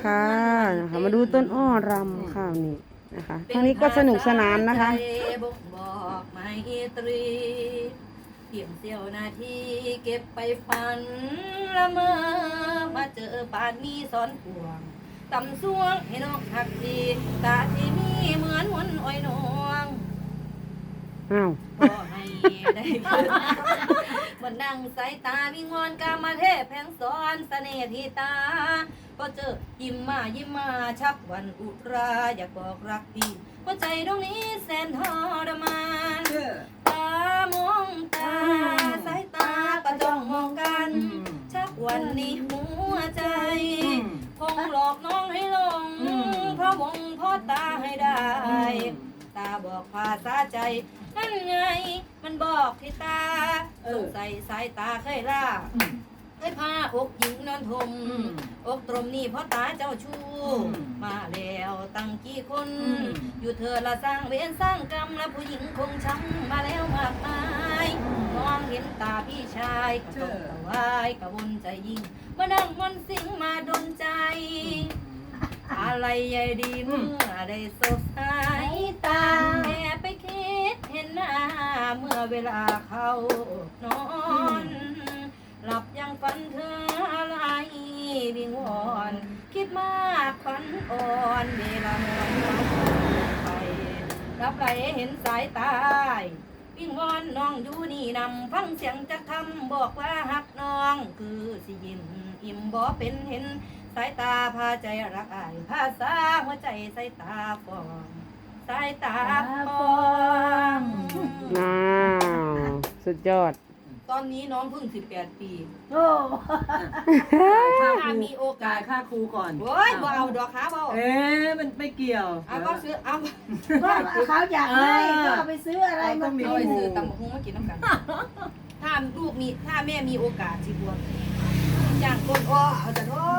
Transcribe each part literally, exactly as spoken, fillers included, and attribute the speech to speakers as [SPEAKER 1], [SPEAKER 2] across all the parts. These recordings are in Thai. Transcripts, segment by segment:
[SPEAKER 1] ค่ะนะคะมาดูต้นอ้อรำข้าวนี่นะคะทางนี้ก็สนุกสนานนะคะ
[SPEAKER 2] บ่งบอกไมตรีเพียงเสี้ยวนาทีเก็บไปฝันละเมอมาเจอป่านนี้ซ้อนพวงตำสวงให้นกหักทีตาที่มีเหมือนวนอ้อยนวง
[SPEAKER 1] อ้าว
[SPEAKER 2] ก็ให้ได้คืนมันดังสายตาวิงวอนกามาเทพแผงสอนเสน่ห์ที่ตาก็เจอยิ้มมายิ้มมาชักวันอุราอยากบอกรักพี่หัวใจตรงนี้แสนทรมานตามองตาสายตาก็จ้องมองกันชักวันนี้หัวใจคงหลอกน้องให้ลงเพราะมองเพราะตาให้ได้ตาบอกภาษาใจนั่นไงมันบอกที่ตาสงสัยสายตาเคยล่าเคยพาอกหญิงนอนทมอกตรมนี่เพราะตาเจ้าชู้มาแล้วตั้งกี่คนอยู่เธอละสร้างเวรสร้างกรรมและผู้หญิงคงช้ำมาแล้วมากมายมองเห็นตาพี่ชายก็ต้องตะวายกระวนใจยิ่งมานั่งมนสิงมาดนใจอะไรใหญ่ดีเมื่อได้สบสายตาแอบไปคิดเห็นหน้าเมื่อเวลาเขานอนหลับยังฝันเธออะไรวิงวอนคิดมากฝันอ่อนเวลานอนไปรับไหลเห็นสายตาวิงวอนน้องอยู่นี่นำฟังเสียงจะทำบอกว่าหักน้องคือสิยิ้มอิ่มบ่เป็นเห็นสายตาพาใจรักอายภาษาหัวใจสายตาฟองสายตาฟอง
[SPEAKER 1] อ้าวสุดยอด
[SPEAKER 2] ตอนนี้น้องเพิ่งสิบแปดปี
[SPEAKER 3] โอ้
[SPEAKER 2] ถ้ามีโอกาส
[SPEAKER 3] ค่าครูก่อน
[SPEAKER 2] โอ้ยบ่เอาดอกขาบ่
[SPEAKER 3] เอ๊ะมันไม่เกี่ยว
[SPEAKER 2] เอาก็ซื้อเอา
[SPEAKER 3] ก็เขาอยากให้ก็เอาไปซื้ออะไรมากิน
[SPEAKER 2] เอาไปซื้อตำบักหุ่งมากินน้ำกันถ้าลูกมีถ้าแม่มีโอกาสสิบวชอย่างก้นอ้อเอาแต่โอ้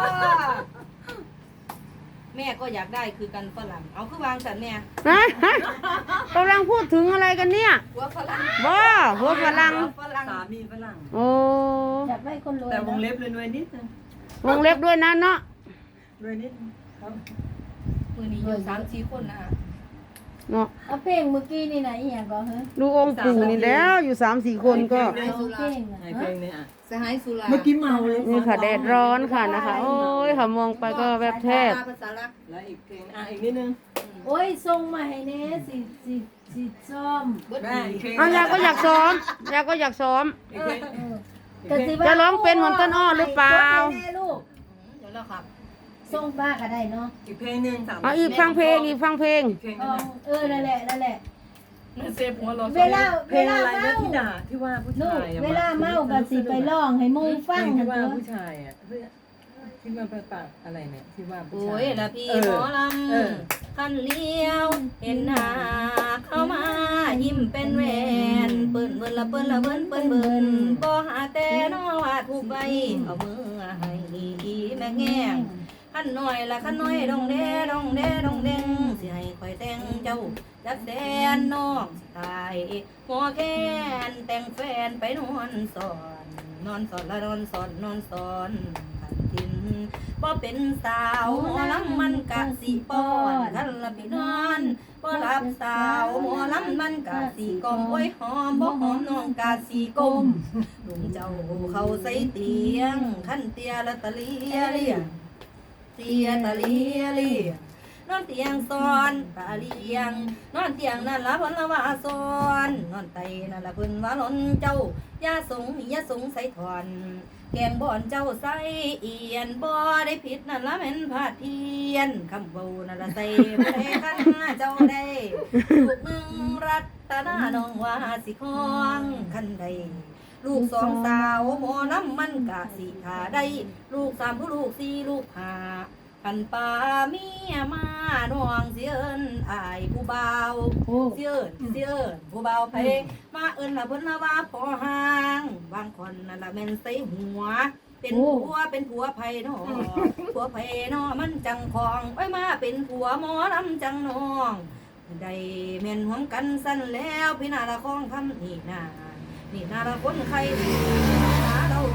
[SPEAKER 2] แม่ก็อยากได้คือกันฝรั่งเอาคือวางสันแม่
[SPEAKER 1] กำลังพูดถึงอะไรกันเนี่ย
[SPEAKER 2] หัวฝรั่ง
[SPEAKER 1] บ้าหัวฝรั่ง
[SPEAKER 3] สามีฝรั่ง
[SPEAKER 1] โอ้
[SPEAKER 3] อยากได้คนรวยแต่วงเล็บเลยรวยนิดนึง
[SPEAKER 1] วงเล็บด้วยนะเนาะ
[SPEAKER 3] รวยนิดครับ
[SPEAKER 2] มือนี้อยู่สามสี่คนนะ
[SPEAKER 1] เนาะ
[SPEAKER 3] เอาเพลงเมื่อกี้นี่ไหนอย่างก็เฮ้ย
[SPEAKER 1] ดูองค์ปู่นี่แล้วอยู่สามสี่คนก็
[SPEAKER 3] เพลงเพลงเนี่ย
[SPEAKER 2] สหายสุรา
[SPEAKER 3] เมื่อกี้เมาเลย
[SPEAKER 1] นี่ค่ะแดดร้อนค่ะนะคะโอ้ยค่ะมองไปก็แบบแทบ
[SPEAKER 3] แล้วอีกเพลงอ่ะอีกนิดนึงโอ้ยส่งมาให้เน่สิสิสิซ้อม
[SPEAKER 1] เอาอยากก็อยากซ้อมอยากก็อยากซ้อมจะร้องเป็นเหมือนต้นอ้อหรือเปล่า
[SPEAKER 2] เดี๋ยวแล้วครับ
[SPEAKER 3] ส่งบ้าก็ได้เนาะอีกเพลงหนึ่งสาม
[SPEAKER 1] เอาอีกฟังเพลงอีกฟังเพลง
[SPEAKER 3] เออนั่นแหละนั่นแหละ
[SPEAKER 2] เซฟหัวเรา
[SPEAKER 3] เวลาเวลาเมาที่ด่าที่ว่าผู้ชายเวลาเมาก็สิไปร้องให้มูฟังที่ว่าผู้ชายอ่ะที่มาประปากอะไรเนี่ยที่ว่าผู้ชาย
[SPEAKER 2] โอ้ยละพี่หมอลำคันเลี้ยวเห็นหน้าเข้ามายิ้มเป็นแหวนเปิ้นเบิ้นละเปิ้นละเบิ้นเปิ้นเบิ้นบ่หาแต่นอว่าถูกใบเอามือให้อีแม่แง่ขันหน่อยละขันหน่อยดองแดดองแดดองแดงสิให้คอยแต่งเจ้าจักแสนน้องสิตายหัวแค้นแต่งแฟนไปนอนสอนนอนสอนละนอนสอนนอนสอนขันทินบ่เป็นสาวหมอลำมันกะสีป้อนท่านละพี่นอนบ่รับสาวหมอลำมันกะสีกลมโอ้ยหอมบ่หอมน้องกะสีกลมลุงเจ้าเขาใส่เตียงขันเตียละตะเลียเลียเตียตะเลียเลียนอนเตียงซ้อนตาเลียงนอนเตียงนั่นละเพิ่นละว่าซ้อนนอนไตนั่นละเพิ่นว่าล้นเจ้ายาสงยาสงใส่ถอนแกงบ่อนเจ้าใส่เอียนบ่ได้ผิดนั่นละแม่นพาเทียนคำเบานั่นละใส่บ่ได้คันเจ้าได้ลูกหนึ่งรัตนาน้องว่าสิคองคันใดลูกสองสาวหมอน้ำมันกะสิขาได้ลูกสามผู้ลูกสี่ลูกห้าขันป่าเมียมาน้องเสียเอิญอายผู้เบาเสียเอิญเสียเอิญผู้เบาเพมาเอิญละเพิ่นละว่าพอห่างบางคนนั่นละแม่นใส่หัวเป็นผัวเป็นผัวไผ่นอผัวไผ่นอมันจังคองไว้มาเป็นผัวหมอลำจังน้องได้เม่นหวมกันสั้นแล้วพี่นาละคองคำนี่นานี่นาละคนใครหาเราทิ้ง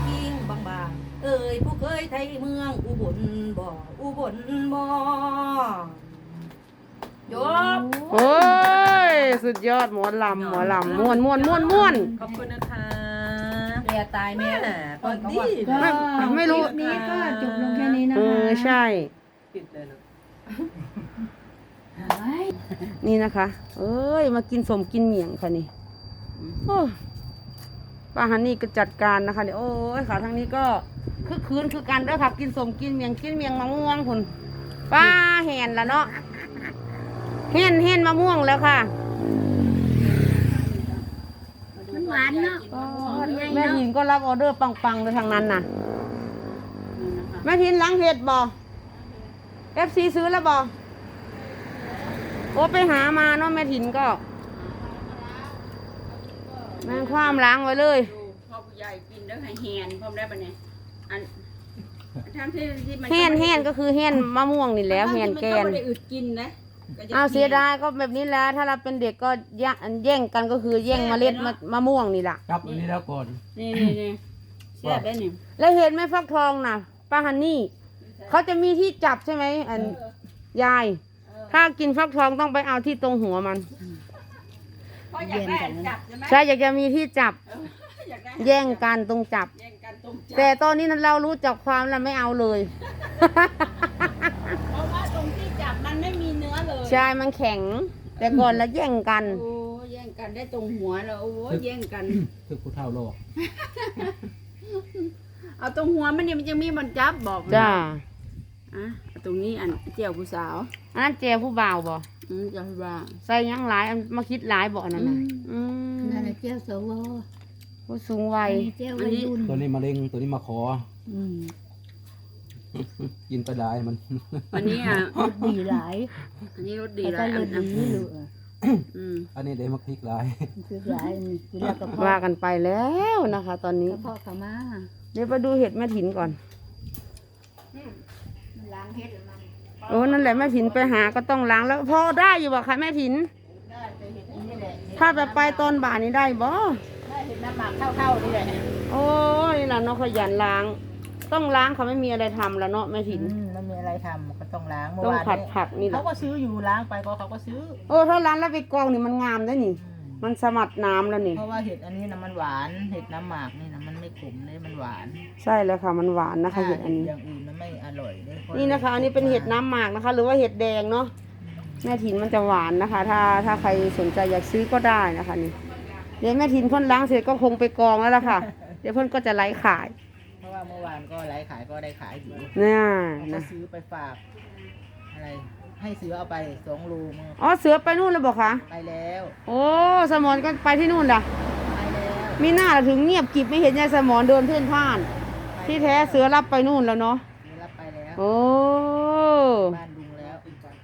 [SPEAKER 2] บางๆเอ้ยผู้เคยไทยเมืองอุบลบ่อุบลบ่จบ
[SPEAKER 1] โอ้ยสุดยอดหมอลำหมอลำม่วนม่วนม่วนม่วน
[SPEAKER 3] ขอบคุณนะคะ
[SPEAKER 2] เรียตายแม่
[SPEAKER 3] แม่พอดี
[SPEAKER 4] ก็
[SPEAKER 1] ไม่ไม่รู้
[SPEAKER 4] คลิปนี้ก็จบลงแค่นี้นะ
[SPEAKER 1] เอ
[SPEAKER 4] คะ
[SPEAKER 1] อใช่
[SPEAKER 3] ปิดเลยเนาะ
[SPEAKER 4] เฮ้ย
[SPEAKER 1] นี่นะคะ เอ้ยมากินสมกินเหมียงค่ะนี่โอ้ป้าฮันนี่ก็จัดการนะคะเนี่ยโอ้ยค่ะทางนี้ก็คือคืนคือกันเด้อค่ะกินสมกินเมียงกินเมียงมะม่วงคุณป้าแห่นละเนาะเห็นเห็นมะม่วงแล้วค่ะ
[SPEAKER 4] มันหวานเนาะ
[SPEAKER 1] แม่ทินก็รับออเดอร์ปังๆเลยทางนั้นน่ะแม่ทินล้างเห็ดบ่เอฟซีซื้อแล้วบ่โอ้ไปหามาเนาะแม่ทินก็แม่งความล้างไว้เลย
[SPEAKER 5] พ่อผู้ใหญ่กินแล้วให้แหนพร้อมได้ปะเนี่ยอันทำที่ที่มัน
[SPEAKER 1] แห่นแห่นก็คือแห่นมะม่วงนี่แหล้วแห่นแกน
[SPEAKER 5] ไม่ได้อึดกินนะก็จะ
[SPEAKER 1] เอาเสียดายก็แบบนี้แหล้วถ้าเราเป็นเด็กก็แย่งแย่งกันก็คือแย่งเมล็ดมะมะม่วงนี่แหละ
[SPEAKER 6] ครับอันนี้แล้วก่อน
[SPEAKER 5] นี่นี่นี่เสียบได้นี่
[SPEAKER 1] แล้วเห็นไหมฟักทองน่ะป้าฮันนี่เขาจะมีที่จับใช่ไหมอันยาย ถ้ากินฟักทองต้องไปเอาที่ตรงหัวมัน
[SPEAKER 5] เพราะอยากได้จับใช่ไหม
[SPEAKER 1] ใช่อยากจะมีที่จับ
[SPEAKER 5] อยากได้
[SPEAKER 1] แย่งกันตรงจับ
[SPEAKER 5] แย่งกันตรงจับ
[SPEAKER 1] แต่ตอนนี้เรารู้จักความแล้วไม่เอาเลย
[SPEAKER 5] เพราะว่าตรงที่จับมันไม่มีเนื้อเลย
[SPEAKER 1] ใช่มันแข็ง แต่ก่อนแล้วแย่งกัน
[SPEAKER 5] โอ้แย่งกันได้ตรงหัวแล้วโอ้แย่งกัน
[SPEAKER 6] คือผู้เฒ่าโลก
[SPEAKER 5] เอาตรงหัวมันเนี่ยมันจะมีมันจับบอก
[SPEAKER 1] จ้า
[SPEAKER 5] อ่ะเอาตรงนี้อันเจียวผู้สาว
[SPEAKER 1] อันนั้นเจผู้บ่าวบ่
[SPEAKER 5] อืมจะว่า
[SPEAKER 1] ใส่หยังหลายอันมาคิดหลายบ่อันนั้นน่ะอืม
[SPEAKER 4] นั่นแหละเจ้าสว
[SPEAKER 1] ผู้สูงวัย
[SPEAKER 4] เจ้าวัยรุ่น
[SPEAKER 6] ตัวนี้มะเร็งตัวนี้มาขอ
[SPEAKER 4] อืม
[SPEAKER 6] กินไปได้มัน
[SPEAKER 5] อันนี้อ่ะ
[SPEAKER 4] ดีหลาย
[SPEAKER 5] อันนี้รสดี
[SPEAKER 4] แต่
[SPEAKER 5] ห
[SPEAKER 4] ก็
[SPEAKER 5] ลาย
[SPEAKER 4] ร
[SPEAKER 5] อั
[SPEAKER 4] ส
[SPEAKER 5] น
[SPEAKER 4] ดีเหลือ
[SPEAKER 5] อืม
[SPEAKER 6] อันนี้เดี๋ยวมาพริกหลาย
[SPEAKER 4] คือหลายนี่กินแล้วก็พอ
[SPEAKER 1] ว่ากันไปแล้วนะคะ ตอนนี้
[SPEAKER 4] กระเพาะเขามา
[SPEAKER 1] เดี๋ยวไปดูเห็ดแม่ถินก่อน
[SPEAKER 4] ล้างเฮ็ดมัน
[SPEAKER 1] โอ้นั่นแหละแม่ถินไปหาก็ต้องล้างแล้วพอได้อยู่บ่คะแม่ถิน
[SPEAKER 4] ได้ไปเฮ็ดนี่แหละ
[SPEAKER 1] ถ้าไปไปตอนบ่ายนี้ได้บ่
[SPEAKER 4] ได้เฮ็ดน้ำหมักเท่าๆนี่แหละ
[SPEAKER 1] โอ้ยนี่ล่ะเนาะขยันล้าง ต้องล้างเขาไม่มีอะไรทำแล้วเนาะแม่ถิน
[SPEAKER 7] อืมไม่มีอะไรทำก็ต้องล้างเมื่อ
[SPEAKER 1] ต้อง
[SPEAKER 7] วาน
[SPEAKER 1] ผัด
[SPEAKER 7] นี้
[SPEAKER 1] ผักนี่แห
[SPEAKER 7] เขา
[SPEAKER 1] ละ
[SPEAKER 7] ก็ซื้ออยู่ล้างไปก็เขาก็ซื้อ
[SPEAKER 1] โอ้ถ้าล้างแล้วไปกองนี่มันงามได้นี่
[SPEAKER 7] อืม
[SPEAKER 1] มันสมัดน้ำแล้วนี่
[SPEAKER 7] เพราะว่าเห็ดอันนี้นะมันหวานเห็ดน้ำหมากนี่นะมันไม่ขมเลยมันหวาน
[SPEAKER 1] ใช่แล้วค่ะมันหวานนะคะเห็ดอันนี้
[SPEAKER 7] อย่างอื่นมันไม่อร่อยเลยเพรา
[SPEAKER 1] นี่นะคะ อันนี้เป็นเห็ดน้ำหมากนะคะ หรือว่าเห็ดแดงเนาะแม่ถินมันจะหวานนะคะ ถ้าถ้าใครสนใจอยากซื้อก็ได้นะคะนี่เดี๋ยวแม่ถินเพ่นล้างเสร็จก็คงไปกองแล้วล่ะค่ะ เดี๋ยวเพ่นก็จะไลฟ์ขาย
[SPEAKER 7] เพราะว่าเมื่อวานก็ไลฟ์ขายก็ได้ขายอยู่
[SPEAKER 1] เนี่ย
[SPEAKER 7] เขาก็
[SPEAKER 1] นะ
[SPEAKER 7] ซื้อไปฝากอะไร ให้ซื้อเอาไปสองโลมือ
[SPEAKER 1] อ๋อเสือไปนู่นแล้วบอกคะ
[SPEAKER 7] ไปแล้ว
[SPEAKER 1] โอ้สมอนก็ไปที่นู่นล่ะ
[SPEAKER 7] ไปแล้ว
[SPEAKER 1] มีหน้าล่ะถึงเงียบกริบไม่เห็นยายสมอนเดินเพ่นพ่าน ที่แท้เสือรับไปนู่นแล้วเนาะ
[SPEAKER 7] ซื้อรับไปแล้ว
[SPEAKER 1] โอ้
[SPEAKER 7] บ้านดุงแล้ว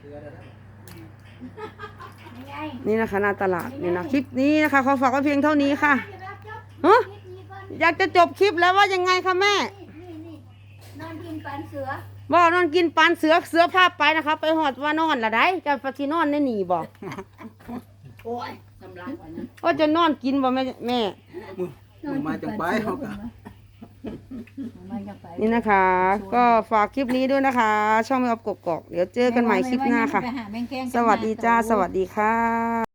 [SPEAKER 1] นี่นะคะหน้าตลาดนี่นะคลิปนี้นะคะขอฝากไว้เพียงเท่านี้ค่ะฮะอยากจะจบคลิปแล้วว่ายังไงคะแม่
[SPEAKER 4] นอนกินปันเสือ
[SPEAKER 1] บ่นอนกินปานเสือเสือพาไปนะคะ ไปหอดว่านอนละได้จะไปที่นอนได้หนีบ่
[SPEAKER 5] โอ้ยสำลักก่อนนะ
[SPEAKER 1] ว่าจะนอนกินบ่แม่แม่
[SPEAKER 4] นอน
[SPEAKER 6] มา
[SPEAKER 4] กิ
[SPEAKER 6] จั
[SPEAKER 4] น
[SPEAKER 6] ง
[SPEAKER 4] ปั
[SPEAKER 6] ไป
[SPEAKER 4] นเสือ
[SPEAKER 6] เขาก็
[SPEAKER 4] มาจังไป
[SPEAKER 1] นี่นะคะ ก็ฝากคลิปนี้ด้วยนะคะ ช่องแม่ออฟกกอกเดี๋ยวเจอกันใหม่คลิปหน้าค่ะ
[SPEAKER 4] ไปหาแมงแคงกัน
[SPEAKER 1] สวัสดีจ้า
[SPEAKER 4] มา
[SPEAKER 1] สวัสดีค่ะ